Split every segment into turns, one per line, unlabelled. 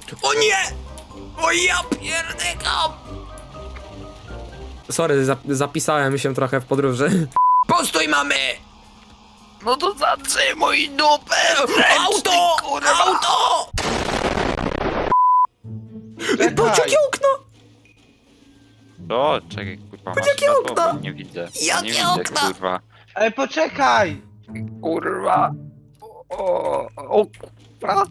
O nie! O ja pierdykam! Sorry, zapisałem się trochę w podróży. Postój mamy!
No to zatrzymuj dupę!
Auto! Auto! Patrz jakie okno!
O, czekaj, kurwa, masz
jakie
światło?
okna?
Bo nie widzę.
Jakie
nie widzę,
okna?
kurwa.
Ej, poczekaj!
Kurwa. O, kurwa.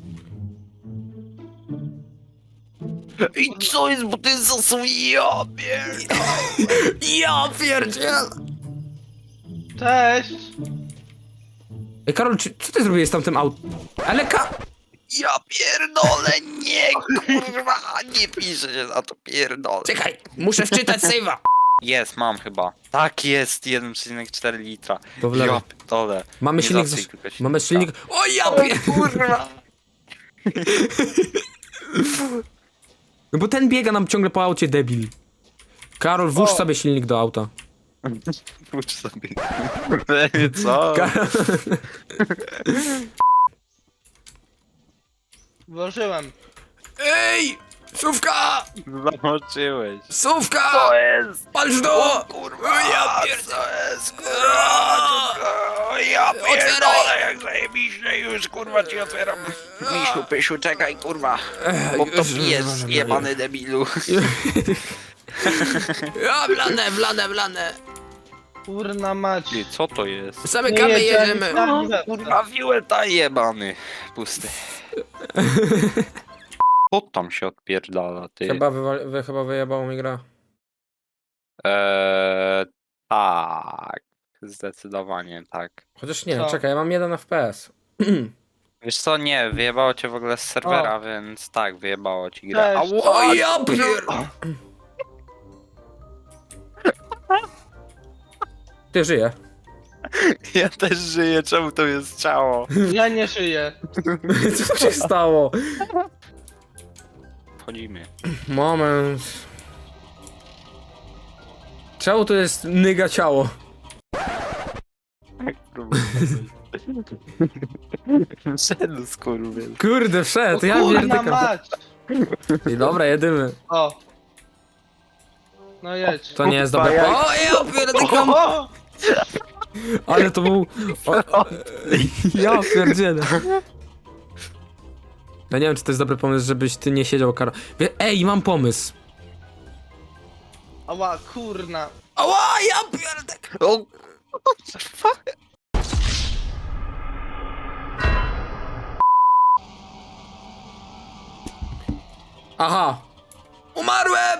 I co jest, bo to jest zasób, ja pierdolę.
Ja pierdziel!
Cześć!
Ej, Karol, co ty zrobiłeś z tamtym autem? Ale
Ja pierdolę, nie, kurwa, nie piszę się za to, pierdolę.
Czekaj, muszę wczytać save'a.
Jest, mam chyba. Tak jest, 1,4 litra.
To w lewo.
Ja pierdolę.
Mamy
Nie
silnik,
zasyj tylko
mamy silnik... O ja
Kurwa.
No bo ten biega nam ciągle po aucie, debil. Karol, włóż
O.
sobie silnik do auta.
Włóż sobie. Co?
Karol...
Włożyłem.
Ej! Sówka!
Zamoczyłeś.
Sówka!
Co jest?
Patrz do!
Kurwa,
ja
co jest, kurwa? Ja pierdolę, jak zajebiście już, kurwa, ci otwieram. Misiu, pysiu, czekaj, kurwa. Bo to pies, jebany debilu.
Ja, wlane.
Kurna mać.
Ty, co to jest?
Zamykamy, jedziemy.
Kurwa, wiłeta jebany. Pusty. Co tam się odpierdala, ty?
Chyba wyjebało mi gra.
Tak. Zdecydowanie tak.
Chociaż nie,
Co?
czekaj, ja mam 1 FPS.
Wiesz co, nie, wyjebało cię w ogóle z serwera, więc tak, wyjebało ci grę.
Cześć.
O ja pier... Ty żyje.
Ja też żyję, czemu to jest ciało?
Ja nie żyję.
Co się stało?
Wchodzimy.
Moment. Czemu to jest nyga ciało?
Szedł skurwiel.
Kurde, wszedł, ja
Kurna
pierdykam.
mać.
I dobra, jedymy.
O. No jedź.
To nie jest dobre.
jak-
O, ja pierdykam.
O!
Ale to był... O, ja pierdzielę. Ja nie wiem, czy to jest dobry pomysł, żebyś ty nie siedział, Karol. Ej, mam pomysł.
Ała, kurna.
Ała, ja pierdykam.
O, fuck?
Aha. Umarłem!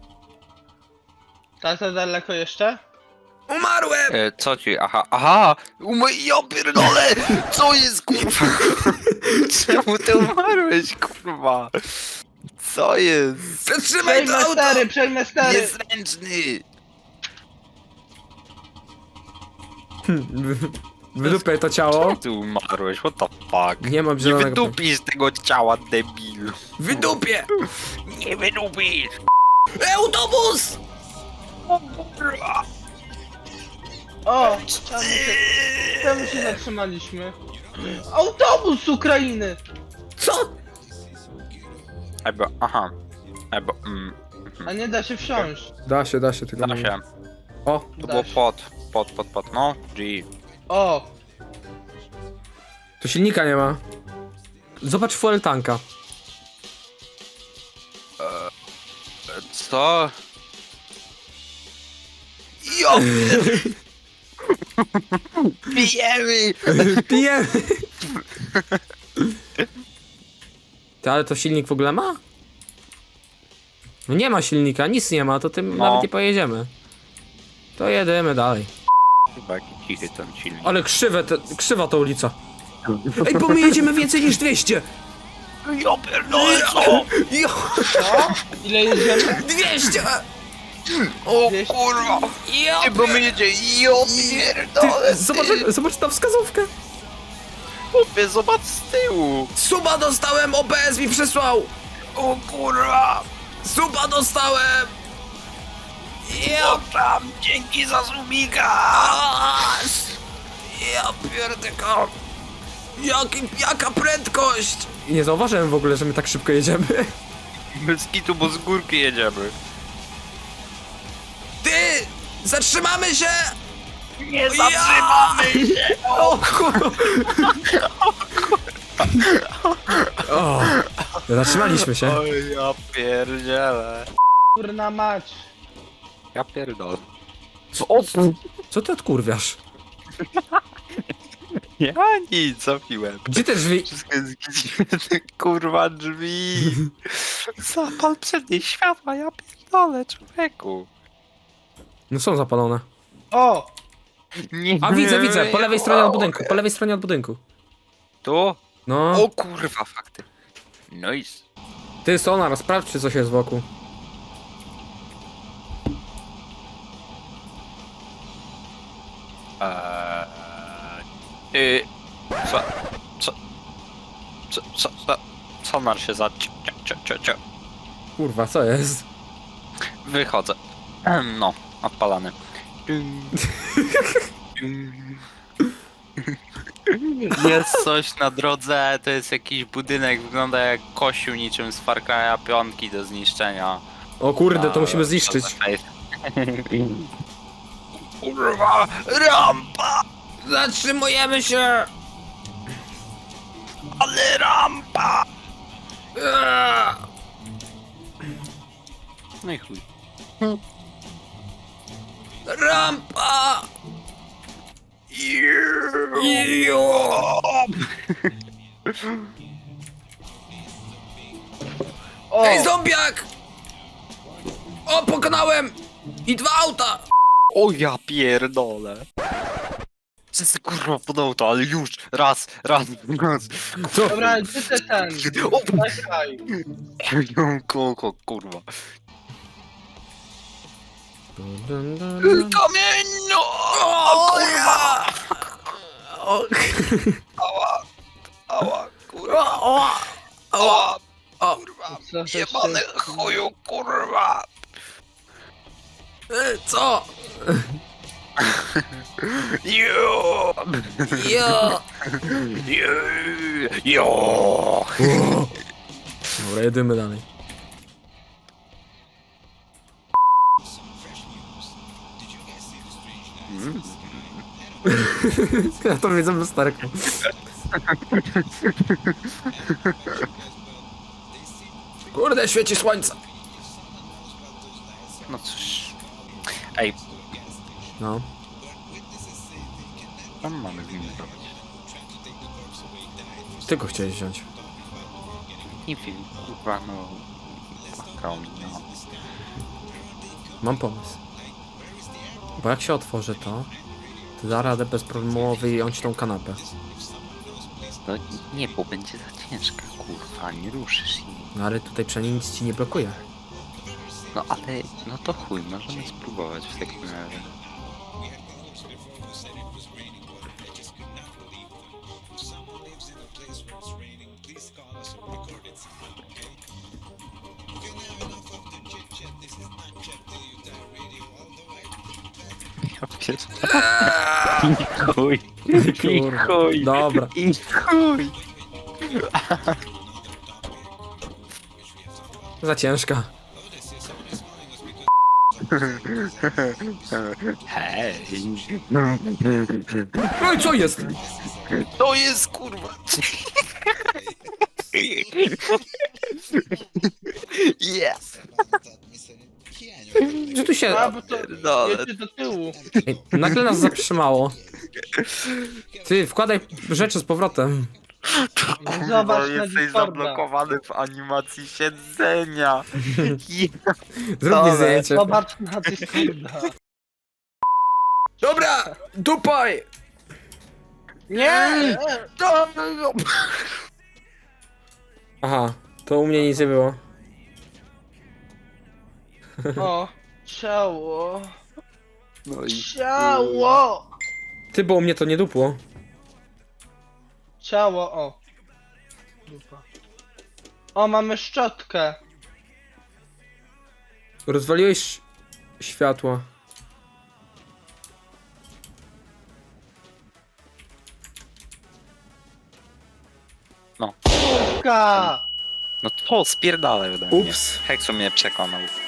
Tak to daleko jeszcze?
Umarłem!
Co ci? Aha! Ja pierdolę! Co jest, kurwa? Czemu ty umarłeś, kurwa? Co jest?
Zatrzymaj to
Przejmę
auto!
stery, przejmę stery.
Niezręczny!
Wydupiaj to ciało.
Ty umarłeś, what the fuck?
Nie mam
Nie
zielonego...
wydupisz tego ciała, debilu.
Wydupię!
Nie wydupisz!
Autobus!
O! Czemu się zatrzymaliśmy? Autobus z Ukrainy!
Co?
Aha.
A nie da się wsiąść.
Da się, tylko
Da
nie-
się.
O,
To było pod, no. G.
O!
tu silnika nie ma. Zobacz fuel tanka.
Co? Jo! Pijemy!
Pijemy! Ty, ale to silnik w ogóle ma? No nie ma silnika, nic nie ma, to tym
No.
nawet nie pojedziemy. To jedziemy dalej.
Chyba jaki cichy ten silnik.
Ale krzywa ta ulica. Ej, bo my jedziemy więcej niż 200!
Ja pierdolę, co?
Jo,
Co? Ile jedziemy?
200!
O
Wiesz-
kurwa!
Jo,
Ty, bo my jedzie, jo pierdolę!
zobacz tam wskazówkę.
Chłopie, zobacz z tyłu!
Suba dostałem, OBS mi przysłał!
O kurwa!
Suba dostałem!
Ja tam, dzięki za subika!
Ja pierdykam! Jaka prędkość! Nie zauważyłem w ogóle, że my tak szybko jedziemy.
Bez kitu, bo z górki jedziemy.
Ty! Zatrzymamy się!
Nie zatrzymamy się!
O kur... O, zatrzymaliśmy się.
Oj, ja pierdzielę.
Kurna mać.
Ja pierdolę.
Co ty odkurwiasz?
Ja nic, zapiłem.
Gdzie te drzwi?
Wszystko jest gdzie kurwa drzwi. Zapal przednie światła, ja pierdolę, człowieku.
No są zapalone.
O!
Nie.
A widzę, po lewej stronie od budynku, po lewej stronie od budynku.
Tu?
No,
O kurwa, fakty. Nice.
ty Sonar, sprawdź czy coś jest wokół.
Co? Sonar się za...
Kurwa, co jest?
Wychodzę. No, odpalany. Jest coś na drodze, to jest jakiś budynek, wygląda jak kościół niczym z Far Cry'a 5 do zniszczenia.
O kurde, to musimy zniszczyć.
Kurwa, rampa!
Zatrzymujemy się!
Ale rampa! No i chuj.
Rampa!
O!
Ej, zombiak! O, pokonałem! I 2 auta!
O ja pierdolę. Wszyscy kurwa podał to, ale już! Raz!
Co?
Dobra, gdzie te ten?
O,
Czekaj.
Koko, kurwa. Kamienno! O kurwa! Ała, kurwa! Ała! Kurwa!
Co to
Jebany
się-
chuju, kurwa!
Co?
Jo!
Jo!
Jo!
Dobra, jedymy dalej. Ja to widzę lusterką. Kurde, świeci słońce.
No cóż. Ej,
No.
tam mamy z nim zrobić.
Ty go chciałeś wziąć.
Nie wiem, kurwa, no... Płakał mi, no.
Mam pomysł. Bo jak się otworzy to, to da radę bezproblemowo wyjąć tą kanapę.
No nie, bo będzie za ciężka, kurwa, nie ruszysz jej.
No ale tutaj przynajmniej nic ci nie blokuje.
No ale, no to chuj, możemy spróbować w takim razie. Ja pierdolę. I chuj. I
Kurwa.
chuj.
Dobra.
I chuj.
Za ciężka.
Hej.
No i co jest?
To jest kurwa. Yes.
Że tu się...
A, bo to
Pierdolę.
jedzie do tyłu.
Ej, nagle nas zatrzymało. Ty, wkładaj rzeczy z powrotem.
Zobacz na
Jesteś
Discorda.
zablokowany w animacji siedzenia.
Zrób mi
Dobra.
zdjęcie.
Zobacz na Discorda.
Dobra, dupaj!
Nie!
Aha, to u mnie nic nie było.
O! Ciało!
No i
Ciało!
Ty, bo u mnie to nie dupło.
Ciało, o! Dupa. O, mamy szczotkę!
Rozwaliłeś światła.
No.
Szczotka!
No to spierdalaj ode mnie.
Ups.
Heksu mnie przekonał.